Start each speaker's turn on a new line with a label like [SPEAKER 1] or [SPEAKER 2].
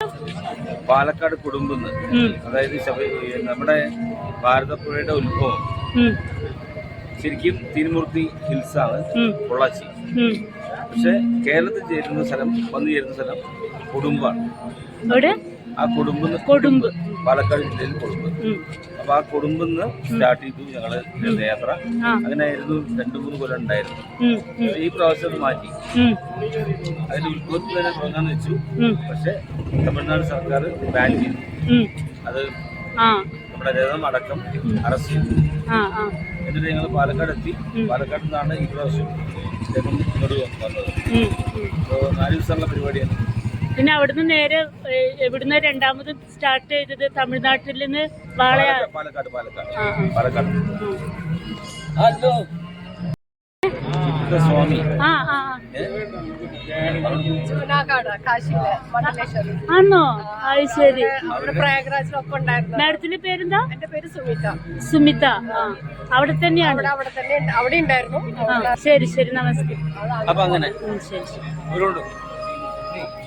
[SPEAKER 1] പാലക്കാട് കുടുംബന്ന്, അതായത് നമ്മുടെ ഭാരതപ്പുഴയുടെ ഉത്ഭവം ശരിക്കും തിരുമൂർത്തി ഹിൽസാണ്, പൊള്ളാച്ചി. പക്ഷെ കേരളത്തിൽ വന്നു ചേരുന്ന സ്ഥലം കൊടുമ്പാണ്. ആ കൊടുമ്പ് പാലക്കാട് ജില്ലയിൽ കൊടുമ്പ്. അപ്പൊ ആ കൊടുമ്പെന്ന് സ്റ്റാർട്ട് ചെയ്തു ഞങ്ങള് യാത്ര. അങ്ങനെയായിരുന്നു 2-3 കൊല്ലം ഉണ്ടായിരുന്നു. ഈ പ്രാവശ്യം അത് മാറ്റി അതിന്റെ ഉത്ഭവത്തിൽ തന്നെ തുടങ്ങാന്ന് വെച്ചു. പക്ഷെ തമിഴ്നാട് സർക്കാർ ബാൻ ചെയ്തു. അത് നമ്മുടെ രഥം അടക്കം അറസ്റ്റ് ചെയ്തു. എന്നിട്ട് ഞങ്ങൾ പാലക്കാട് എത്തി. പാലക്കാട് നിന്നാണ് ഈ പ്രാവശ്യം ഇങ്ങോട്ട് വന്നത്. അപ്പോൾ 4 ദിവസമുള്ള പരിപാടിയാണ്.
[SPEAKER 2] പിന്നെ അവിടുന്ന് നേരെ എവിടുന്ന് രണ്ടാമത് സ്റ്റാർട്ട് ചെയ്തത്? തമിഴ്നാട്ടിൽ നിന്ന്
[SPEAKER 1] പാലക്കാട്. ഹലോ സ്വാമി
[SPEAKER 2] ആണോ? അത് ശരി.
[SPEAKER 3] പ്രയാഗ്രാജിലൊപ്പം ഉണ്ടായിരുന്നു.
[SPEAKER 2] മാഡത്തിന്റെ പേരെന്താ?
[SPEAKER 3] എന്റെ പേര് സുമിത.
[SPEAKER 2] സുമിത. അവിടെ തന്നെയാണ്.
[SPEAKER 3] അവിടെ ഉണ്ടായിരുന്നു.
[SPEAKER 2] ശരി ശരി, നമസ്തേ.
[SPEAKER 1] അപ്പൊ അങ്ങനെ
[SPEAKER 2] ശരി.